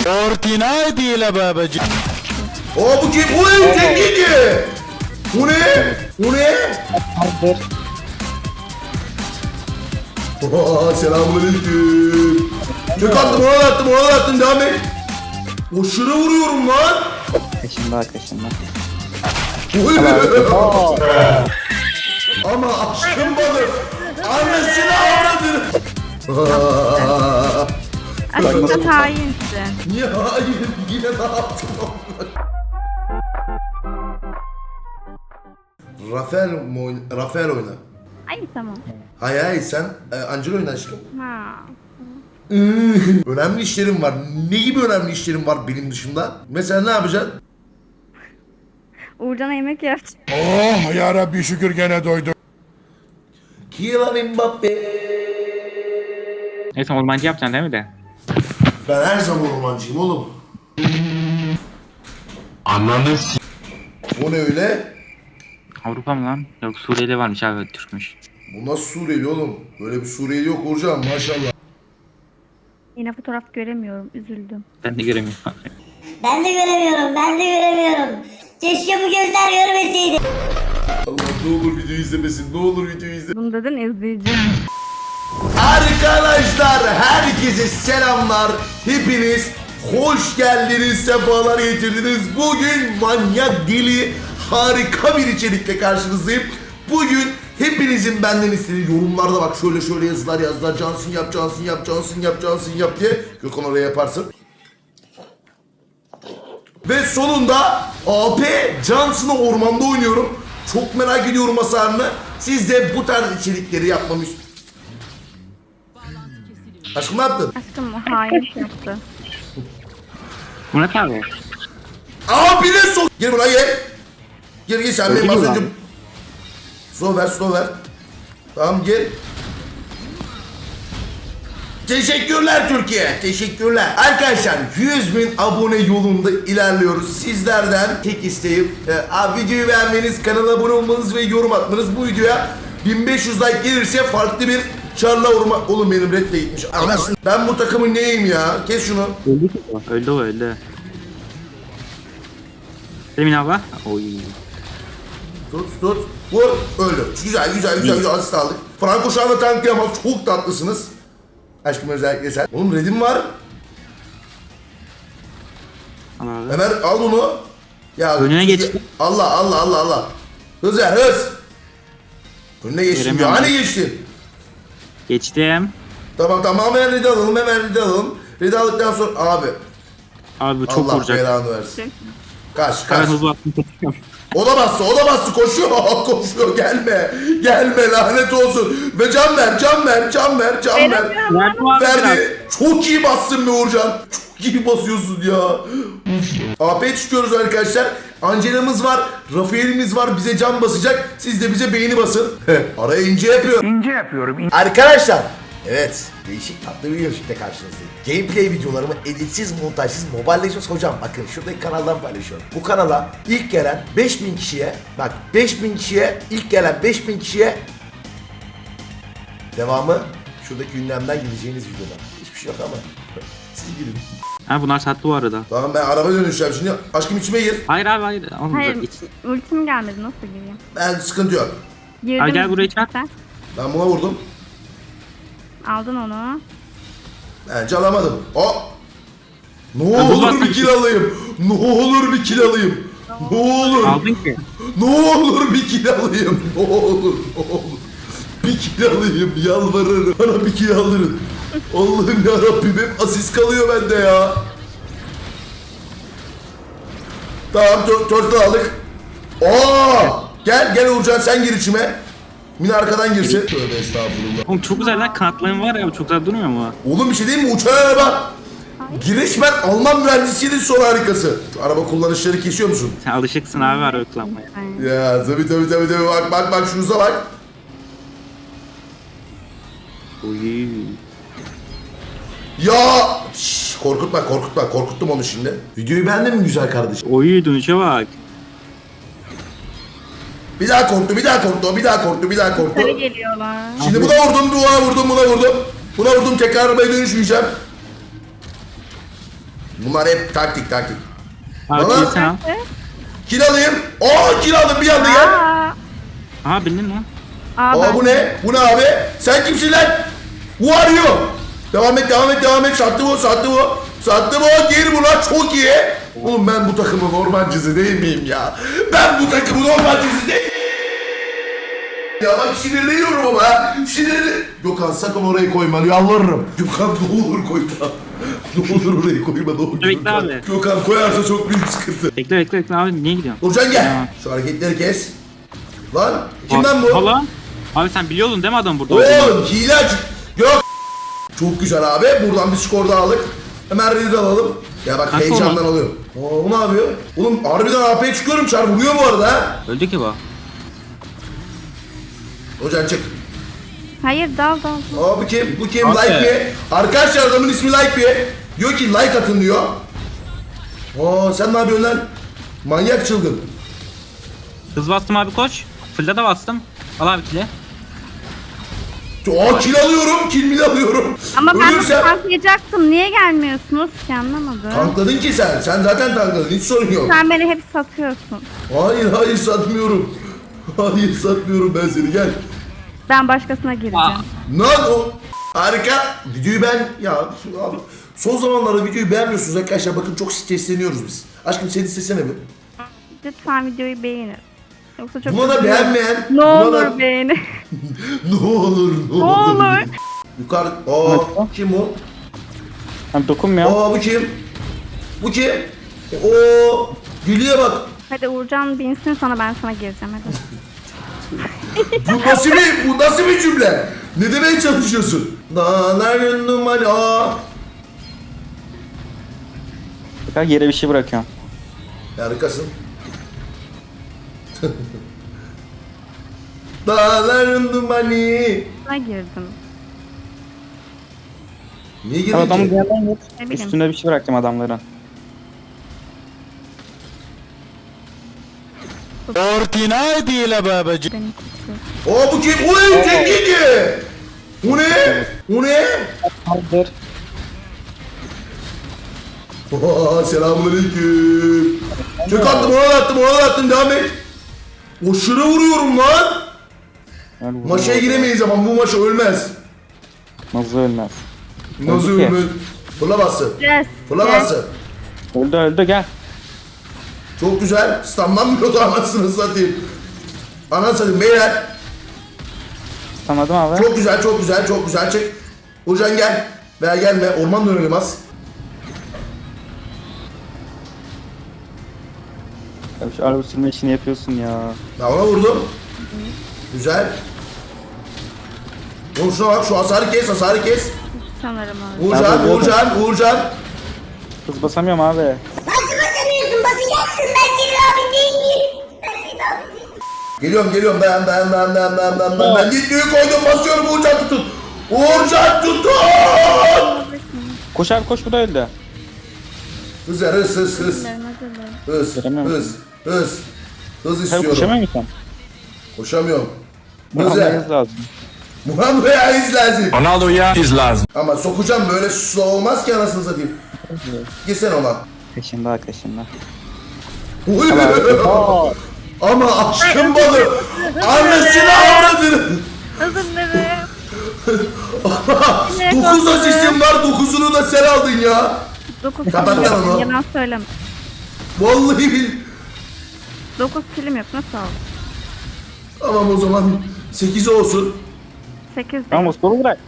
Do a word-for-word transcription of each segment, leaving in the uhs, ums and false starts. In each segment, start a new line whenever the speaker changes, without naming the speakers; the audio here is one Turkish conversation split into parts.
Fortnite ile babacığım.
Aa bu kim? Oy tek yedi. Bu ne? Bu ne?
Hazır.
Aa selamünaleyküm. Tek attım ona da attım ona da attım devam et. Aşırı vuruyorum lan.
Kaşınma kaşınma.
Oy. Ama aşkım balık. Annesini avradını.
Aslında hainsin.
Niye hayır yine ne yaptın? Rafael mi oyna? Rafael oyna.
Ay tamam.
Hayır hayır sen e, Angel oyna aşkım.
Ha.
Önemli işlerim var. Ne gibi önemli işlerim var benim dışında? Mesela ne yapacaksın?
Uğurcan'a yemek yapacağım.
Oh yarabbi şükür gene doydum.
Kylian Mbappe.
Evet ormancı yapacaksın değil mi de?
Ben her zaman ormancıyım oğlum.
Ananı s***.
O ne öyle?
Avrupa mı lan? Yok Suriyeli varmış abi Türkmüş.
Bu nasıl Suriyeli oğlum? Böyle bir Suriyeli yok Uğurcan maşallah.
Yine fotoğraf göremiyorum. Üzüldüm.
Ben de göremiyorum.
Ben de göremiyorum, ben de göremiyorum. Keşke bu gözler görmeseydi.
Allah ne olur video izlemesin, ne olur video izle.
Bunu dedin izleyeceğim.
Arkadaşlar herkese selamlar. Hepiniz hoş geldiniz, sefalar getirdiniz. Bugün manyak deli harika bir içerikle karşınızdayım. Bugün hepinizin benden istediği yorumlarda bak şöyle şöyle yazılar yazdılar. Cansın yap, Cansın yap, Cansın yap, Cansın yap diye. Gökhan oraya yaparsın. Ve sonunda A P Johnson'ı ormanda oynuyorum. Çok merak ediyorum hasarını. Siz de bu tarz içerikleri yapmamı istiyorsunuz. Aşkım ne yaptın?
Aşkım o hainlik yaptı.
Murat abi.
Abi ne sok... Gel buraya gel. Gel gel sen benim az
Öldürüyor
önce...
lan.
Slow ver slow ver. Tamam gel. Teşekkürler Türkiye. Teşekkürler. Arkadaşlar yüz bin abone yolunda ilerliyoruz. Sizlerden tek isteğim e, abi videoyu beğenmeniz, kanala abone olmanız ve yorum atmanız. Bu videoya bin beş yüz like gelirse farklı bir Çarla orman... Oğlum benim red de gitmiş. Anasını. Ben bu takımın neyim ya? Kes şunu.
Öldü ki o. Öldü o öldü. Emin abla. Oy.
Tut tut. Vur. Öldü. Güzel güzel güzel güzel asist aldık. Franco şu anda tanklayamaz. Çok tatlısınız. Aşkım özellikle sen. Oğlum redim var.
Al abi.
Ömer al bunu. Ya
Önüne geçti.
Allah Allah Allah Allah. Hız ver hız. Önüne geçtin diyor.
Veremiyorum
Hani
ben.
geçtin?
Geçtim.
Tamam tamam hemen redi alalım hemen redi alalım. Redi aldıktan sonra abi.
Abi bu çok
Allah
vuracak.
belanı versin. Kaç
Ben
kaç.
hızlı attım. kaçıyorum.
O da bastı, o da bastı, koşuyor, koşuyor, gelme, gelme, lanet olsun. Ve can ver, can ver, can ver, can ver.
Veremiyorum.
Verdim abi biraz.
Verdi. Çok iyi bassın be Uğurcan. Çok iyi basıyorsun ya. A P çıkıyoruz arkadaşlar. Angela'mız var, Rafael'imiz var, bize can basacak. Siz de bize beğeni basın. Araya ince yapıyorum.
İnce yapıyorum.
Arkadaşlar. Evet, değişik tatlı bir yarışıkla karşınızdayım. Gameplay videolarımı editsiz, montajsız, Mobile Legends hocam bakın şuradaki kanaldan paylaşıyorum. Bu kanala ilk gelen beş bin kişiye, bak beş bin kişiye, ilk gelen beş bin kişiye devamı şuradaki ünlemden gideceğiniz videoda. Hiçbir şey yok ama siz gidin.
Ha bunlar sattı bu arada.
Tamam ben araba dönüşeceğim şimdi. Aşkım içime gir.
Hayır abi hayır. Olmayacak.
Hayır.
İç.
Ultim gelmedi. Nasıl gireyim?
Ben sıkıntı yok.
Girdim.
Ay, gel buraya çarp.
Sen
Ben buna vurdum.
aldın onu.
Bence alamadım. O. Ne
Ya bu
olur
bak-
bir kill alayım. Ne olur bir kill alayım. Ne olur.
Aldın ki.
Ne olur bir kill alayım. Ne olur, ne olur. Bir kill alayım. Yalvarırım. Bana bir kill alırın. Allah'ım yarabbim hep asist kalıyor bende ya. Tamam, turtle aldık. Oo! Gel, gel Uğurcan sen gir içime. Mine arkadan girsin. Tövbe estağfurullah.
Oğlum çok güzel lan kanatların var ya çok güzel durmuyor mu?
Oğlum bir şey değil mi? Uçan araba. Giriş ben Alman mühendisliğinin son harikası. Şu araba kullanışları kesiyor musun?
Sen alışıksın abi araba kullanmaya.
Aynen.
Ya tabii tabii tabii tabii bak bak bak şunuza bak.
Uy.
Ya şş, korkutma korkutma korkuttum onu şimdi. Videoyu beğendin mi güzel kardeşim?
Oy dönüşe bak.
Bir daha korktu bir daha korktu bir daha korktu bir daha korktu.
Sarı geliyorlar.
Şimdi buna vurdum buna vurdum buna vurdum. Buna vurdum tekrar arabaya dönüşmeyeceğim. Bunlar hep taktik taktik.
Abi
Bana-
kilisen al.
Kill alayım. Aa kill aldım bir anda gel.
Aa,
Aha bildin mi?
aa,
Aa
ben-
bu ne? Bu ne abi? Sen kimsin lan? Bu arıyor. Devam et devam et devam et. Sattı bu sattı bu. Sattı bu. Geri bu lan çok iyi. Oğlum ben bu takımın ormancısı değil miyim ya? Ben bu takımın ormancısı değil ya bak sinirleniyorum ama ha. Sinirli. Gökhan sakın orayı koyma yalvarırım. Gökhan ne olur koyma. Ne olur orayı koyma ne olur.
Bekle
Gökhan.
abi.
Gökhan koyarsa çok büyük sıkıntı.
Bekle bekle bekle abi niye gidiyorsun?
Nurcan gel.
Tamam.
Şu hareketleri kes. Lan kimden bu?
Hala. Abi sen biliyordun değil mi adam burada olduğunu?
Oğlum hile aç. Yok. Çok güzel abi. Buradan bir skor daha aldık. Hemen ready alalım. Ya bak
Nasıl
heyecandan
oldu?
alıyorum. Oo, bu ne yapıyor? Oğlum harbiden A P'ye çıkıyorum. Çar vuruyor bu arada ha.
Öldü ki bu.
Hocam çık.
Hayır dal dal. dal.
Aa bu kim? Bu kim?
Abi.
Like mi? Arkadaşlar adamın ismi Like mi? Diyor ki like atın diyor. Aa sen ne yapıyorsun lan? Manyak çılgın.
Hız bastım abi koş. Fırla da bastım. Al abi kile.
Aa kill alıyorum. Kill mil alıyorum.
Ama ben de
Ölürsem-
tanklayacaktım. Niye gelmiyorsunuz ki anlamadım.
Tankladın ki sen. Sen zaten tankladın. Hiç sorun yok.
Sen beni hep satıyorsun.
Hayır hayır satmıyorum. Hayır satmıyorum ben seni gel.
Ben başkasına gireceğim.
Aa.
Lan o harika. Videoyu ben ya şu- abi, son zamanlarda videoyu beğenmiyorsunuz arkadaşlar bakın çok stresleniyoruz biz. Aşkım seni istesene bir.
Lütfen videoyu beğenin. Yoksa çok
Buna da
üzülürüm.
beğenmeyen.
Ne
buna
olur
da-
beğenin.
ne olur ne
Ne
olur.
olur.
Yukarı. Aa kim bu?
Abi dokunmuyor.
Aa bu kim? Bu kim? Oo Gülü'ye bak.
Hadi Uğurcan binsin sonra ben sana gireceğim hadi.
Bu nasıl bir bu nasıl bir cümle? Ne demeye çalışıyorsun? Dağlar gönlüm hani aa.
Tekrar yere bir şey bırakıyorum.
Harikasın. Dağların dumanı.
Sana girdim.
Niye
Abi
girdin
adamın
ki?
bir yerden git.
Ne bileyim.
Üstünde bir şey bıraktım adamların.
Ortinaydi ile babacı.
Beni tutuyor.
Aa bu kim? Oy tek yedi. Bu ne? Bu ne?
Hazır.
Aa selamünaleyküm. Tek attım ona da attım ona da attım devam et. Aşırı vuruyorum lan.
Yani bu-
Maçaya giremeyiz ama bu maç ölmez.
Nasıl ölmez.
Nasıl
Öldü ki.
ölmez? Fırla bası.
Yes.
Fırla
yes.
bası.
Öldü öldü gel.
Çok güzel. Stamlanmıyordu anasını satayım. Anasını satayım beyler.
Tanıdım abi.
Çok güzel, çok güzel, çok güzel. Çık. Burcan gel. Veya gelme. Orman dönelim az.
Ya şu araba sürme işini yapıyorsun ya.
Ben ona vurdum. Güzel. Oğlum şuna bak. Şu hasarı kes, hasarı kes.
Sanırım öyle.
Uğurcan,
Abi,
Uğurcan, Uğurcan.
Hız basamıyorum abi.
Nasıl basamıyorsun? Basacaksın. Ben senin abin değil miyim? Ben senin abin değilim.
Geliyorum, geliyorum. Ben, ben, ben, ben, ben, ben, ben. Ben gitmeyi koydum, basıyorum. Uğurcan tutun. Uğurcan tutun.
Koş abi koş bu da öldü.
Hız ver, hız, hız, hız.
Hadi be.
Hız,
Veremiyorum.
hız, hız. Hız
Sen
istiyorum.
koşamıyor musun?
Koşamıyorum.
Bunu
Hız ver.
almanız lazım.
Muhammed Bey'e hız lazım.
Ronaldo'ya iz lazım.
Ama sokacağım böyle su olmaz ki anasını satayım. Girsene ona.
Kaşında kaşında.
Uy. Ama aşkım balı. Annesini avradını.
Özür dilerim.
Dokuz asistim var dokuzunu da sen aldın ya.
Dokuz
Kapat
kilim
lan onu.
yok. Yalan söyleme.
Vallahi bil.
Dokuz kilim yok. Nasıl oldu?
Tamam o zaman sekiz olsun.
Sekiz değil.
Tamam o sporu bırak.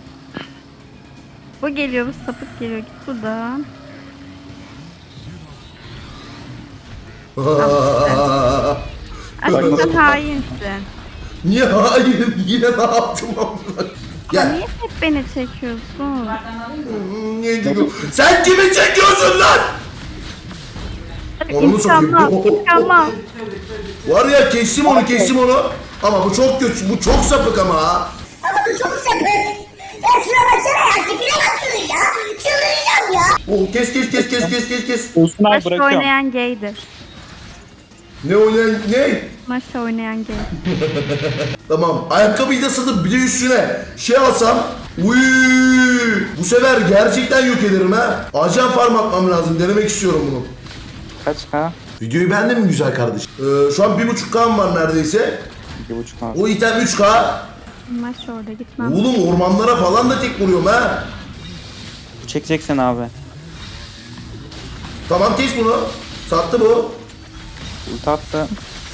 Bu geliyor, bu sapık geliyor. Git buradan. Aslında hainsin.
Niye hayır yine ne yaptım amına?
Ya
Gel.
niye hep beni çekiyorsun?
Niye diyor? Sen kimi çekiyorsun lan? Onu sokayım.
İnşallah, inşallah.
Var ya kestim onu kestim onu. Ama bu çok kötü bu çok sapık ama ha.
Ama bu çok sapık. Ya şuna baksana ya. Tipine bak şunun ya. Çıldıracağım ya.
Oh kes kes kes kes kes kes kes.
Olsun abi
Maçta
bırakıyorum.
oynayan gaydir.
Ne oynayan ne?
Maçta oynayan gay.
Tamam ayakkabıyı da satıp bir de üstüne şey alsam Uy, bu sefer gerçekten yok ederim ha. Ajan farm atmam lazım. Denemek istiyorum bunu.
Kaç K?
Videoyu beğendin mi güzel kardeşim? Ee, şu an bir buçuk K'm var neredeyse.
iki buçuk K.
O item üç K.
Maç orada gitmem.
Oğlum ormanlara falan da tek vuruyorum ha.
Bu çekeceksin abi.
Tamam kes bunu. Sattı bu.
Ulti attı.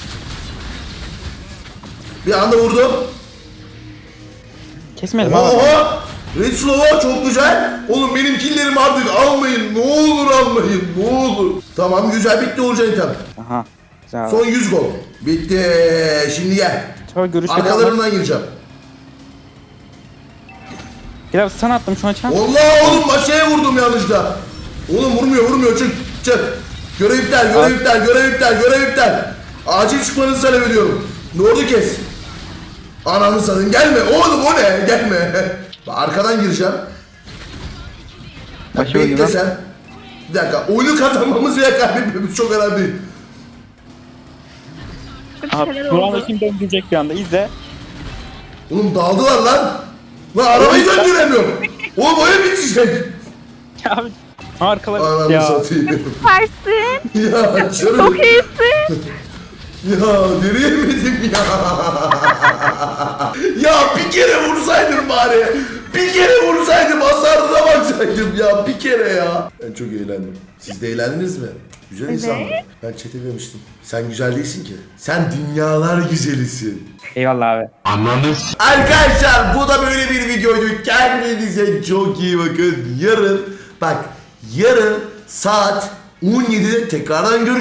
Bir anda vurdum.
Kesmedim abi.
Oha! Red Slow'a çok güzel. Oğlum benim killerimi artık almayın. Ne olur almayın. Ne olur. Tamam güzel bitti Uğurcan item.
Aha. Güzel.
Son yüz gol. Bitti. Şimdi gel.
Sonra görüşleri
Arkalarından gireceğim.
Biraz stun attım şu an çan.
Allah oğlum maşaya vurdum yanlışla. Oğlum vurmuyor vurmuyor çık çık. Görev iptal görev iptal görev iptal görev iptal. Acil çıkmanızı talep ediyorum. Ne oldu kes. Ananı satayım gelme oğlum o ne gelme. Arkadan gireceğim.
Başı
Bekle
oyunu.
sen. Bir dakika oyunu kazanmamız veya kaybetmemiz çok önemli değil.
Bir
Abi
şeyler
Duran'da
oldu.
kim döndürecek bir anda izle.
Oğlum daldılar lan. Lan arabayı döndüremiyorum. Oğlum oyun bitecek.
Abi arkalar
Ananı
ya.
satayım.
Süpersin.
Ya canım.
Çok iyisin.
Ya deneyemedim ya. Ya bir kere vursaydım bari. Bir kere vursaydım hasarına baksaydım ya. Bir kere ya. Ben çok eğlendim. Siz de eğlendiniz mi? Güzel
Evet.
insanlar. Ben çete demiştim. Sen güzel değilsin ki. Sen dünyalar güzelisin.
Eyvallah abi.
Arkadaşlar bu da böyle bir videoydu. Kendinize çok iyi bakın. Yarın bak yarın saat on yedide tekrardan görüşürüz.